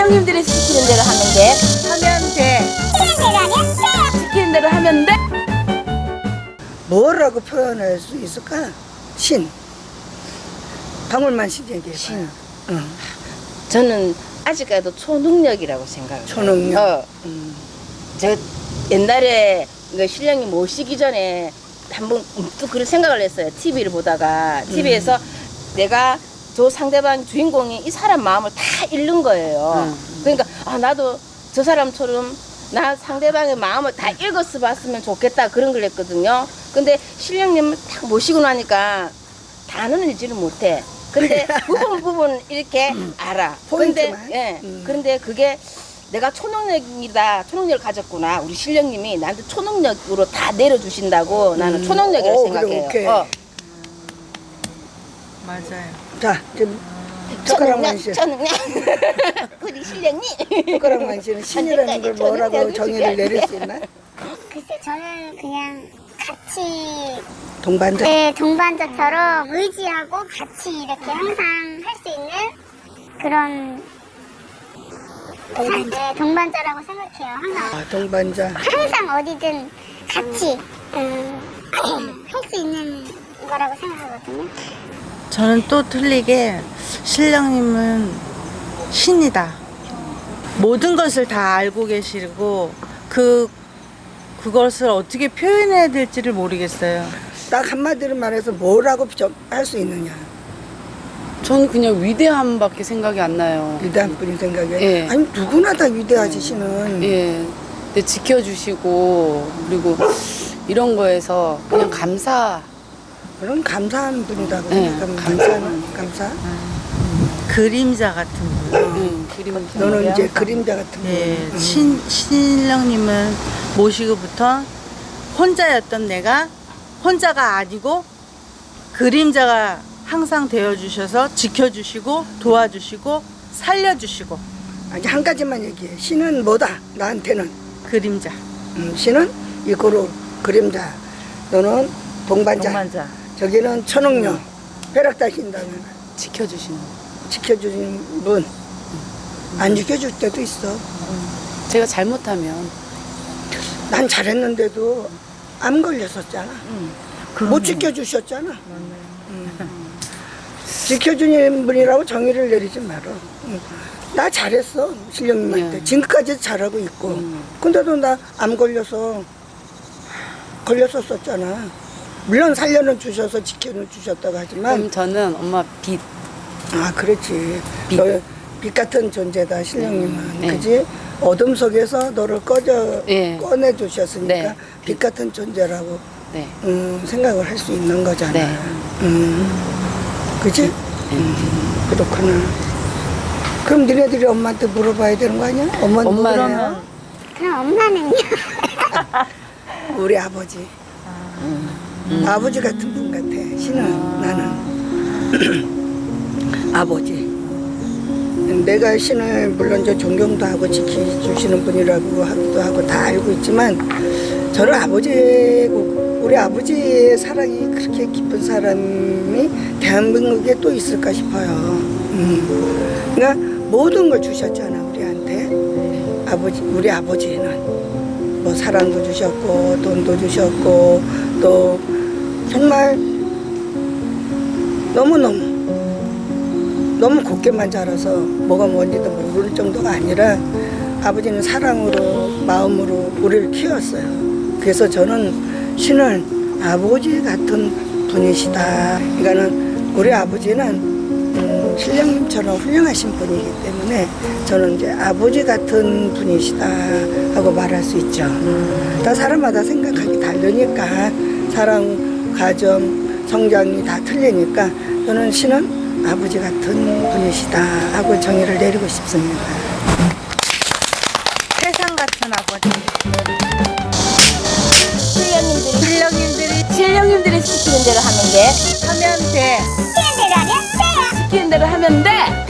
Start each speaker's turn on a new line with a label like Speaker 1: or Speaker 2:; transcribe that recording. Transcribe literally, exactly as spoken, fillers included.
Speaker 1: 신령님들이 시키는 대로 하면 돼.
Speaker 2: 하면 돼.
Speaker 1: 시키는 대로 하면 돼.
Speaker 3: 뭐라고 표현할 수 있을까? 신. 방울만 신 얘기해봐.
Speaker 1: 신.
Speaker 3: 응.
Speaker 1: 저는 아직까지도 초능력이라고 생각해요.
Speaker 3: 초능력.
Speaker 1: 어.
Speaker 3: 음.
Speaker 1: 저 옛날에 그 신령님 모시기 전에 한번 또 그런 생각을 했어요. 티비를 보다가 티비에서 음. 내가 저 상대방 주인공이 이 사람 마음을 다 읽는 거예요.
Speaker 3: 음.
Speaker 1: 그러니까 아 나도 저 사람처럼 나 상대방의 마음을 다 읽었어 봤으면 좋겠다 그런 걸 했거든요. 근데 신령님을 딱 모시고 나니까 다는 읽지를 못해. 근데 부분 부분 이렇게 알아. 근데
Speaker 3: 포인트만?
Speaker 1: 예.
Speaker 3: 음.
Speaker 1: 그런데 그게 내가 초능력이다, 초능력을 가졌구나. 우리 신령님이 나한테 초능력으로 다 내려주신다고 나는
Speaker 3: 음.
Speaker 1: 초능력이라고
Speaker 3: 오,
Speaker 1: 생각해요.
Speaker 3: 그래, 오케이.
Speaker 1: 어.
Speaker 2: 맞아요.
Speaker 3: 자, 지금 젓가락만 신.
Speaker 1: 초능력. 우리 신령님.
Speaker 3: 젓가락만 씨는 신이라는 걸 뭐라고 정의를 내릴 수 있나?
Speaker 4: 글쎄 저는 그냥 같이
Speaker 3: 동반자.
Speaker 4: 네, 동반자처럼 의지하고 같이 이렇게 항상 할 수 있는 그런 동반자. 네, 동반자라고 생각해요. 항상
Speaker 3: 아, 동반자.
Speaker 4: 항상 어디든 같이 음, 할 수 있는 거라고 생각하거든요.
Speaker 2: 저는 또 틀리게 신령님은 신이다. 모든 것을 다 알고 계시고 그 그것을 어떻게 표현해야 될지를 모르겠어요.
Speaker 3: 딱 한마디로 말해서 뭐라고 할 수 있느냐.
Speaker 5: 저는 그냥 위대함밖에 생각이 안 나요.
Speaker 3: 위대한 분이 생각에.
Speaker 5: 예.
Speaker 3: 아니, 누구나 다 위대하지, 신은.
Speaker 5: 예. 근데 지켜주시고 그리고 이런 거에서 그냥 감사.
Speaker 3: 그런 감사한 분이라고
Speaker 5: 네,
Speaker 3: 생각합니다.
Speaker 5: 감사는.
Speaker 3: 감사.
Speaker 2: 그림자 같은 분.
Speaker 5: 음, 그림.
Speaker 3: 너는 이제 그림자 같은 분.
Speaker 2: 예,
Speaker 3: 음.
Speaker 2: 신, 신령님은 모시고부터 혼자였던 내가 혼자가 아니고 그림자가 항상 되어주셔서 지켜주시고 도와주시고 살려주시고
Speaker 3: 아니, 한 가지만 얘기해. 신은 뭐다? 나한테는.
Speaker 2: 그림자.
Speaker 3: 음, 신은 이 고로 그림자. 너는 동반자.
Speaker 2: 동반자.
Speaker 3: 저기는 초능력. 벼락 다신다면
Speaker 5: 지켜주시는.
Speaker 3: 지켜주는 분. 안 지켜줄 때도 있어.
Speaker 5: 제가 잘못하면
Speaker 3: 난 잘했는데도 암 걸렸었잖아. 못 지켜주셨잖아. 음. 지켜주는 분이라고 정의를 내리지 마라. 음. 나 잘했어, 신령님한테.
Speaker 5: 네.
Speaker 3: 지금까지 잘하고 있고.
Speaker 5: 음.
Speaker 3: 근데도 나 암 걸려서 걸렸었었잖아. 물론 살려는 주셔서 지켜는 주셨다고 하지만
Speaker 5: 그럼 저는 엄마 빛.
Speaker 3: 아, 그렇지.
Speaker 5: 빛.
Speaker 3: 너 빛 같은 존재다, 신령님은.
Speaker 5: 네.
Speaker 3: 그지? 어둠 속에서 너를 꺼져,
Speaker 5: 네.
Speaker 3: 꺼내 주셨으니까
Speaker 5: 네.
Speaker 3: 빛 같은 존재라고
Speaker 5: 네.
Speaker 3: 음, 생각을 할 수 있는 거잖아.
Speaker 5: 네.
Speaker 3: 음. 그지? 음, 그렇구나. 그럼 니네들이 엄마한테 물어봐야 되는 거 아니야? 엄마는
Speaker 5: 엄마는
Speaker 3: 누구래요?
Speaker 4: 그럼 엄마는요?
Speaker 3: 우리 아버지.
Speaker 5: 음.
Speaker 3: 아버지 같은 분 같아. 신은 나는 아버지. 내가 신을 물론 저 존경도 하고 지켜주시는 분이라고 하기도 하고 다 알고 있지만 저는 아버지고 우리 아버지의 사랑이 그렇게 깊은 사람이 대한민국에 또 있을까 싶어요. 음. 그러니까 모든 걸 주셨잖아 우리한테. 아버지 우리 아버지는 뭐 사랑도 주셨고 돈도 주셨고 또 정말 너무너무 너무 곱게만 자라서 뭐가 뭔지도 모를 정도가 아니라 아버지는 사랑으로 마음으로 우리를 키웠어요. 그래서 저는 신을 아버지 같은 분이시다. 그러니까는 우리 아버지는 음, 신령님처럼 훌륭하신 분이기 때문에 저는 이제 아버지 같은 분이시다 하고 말할 수 있죠. 다 사람마다 생각하기 다르니까 사랑, 가정, 성장이 다 틀리니까 저는 신은 아버지 같은 분이시다 하고 정의를 내리고 싶습니다.
Speaker 2: 세상 같은 아버지.
Speaker 1: 신령님들이
Speaker 2: 신령님들이
Speaker 1: 신령님들이 시키는 대로 하면 돼.
Speaker 2: 하면 돼.
Speaker 4: 시키는 대로 하면 돼요.
Speaker 1: 시키는 대로 하면 돼.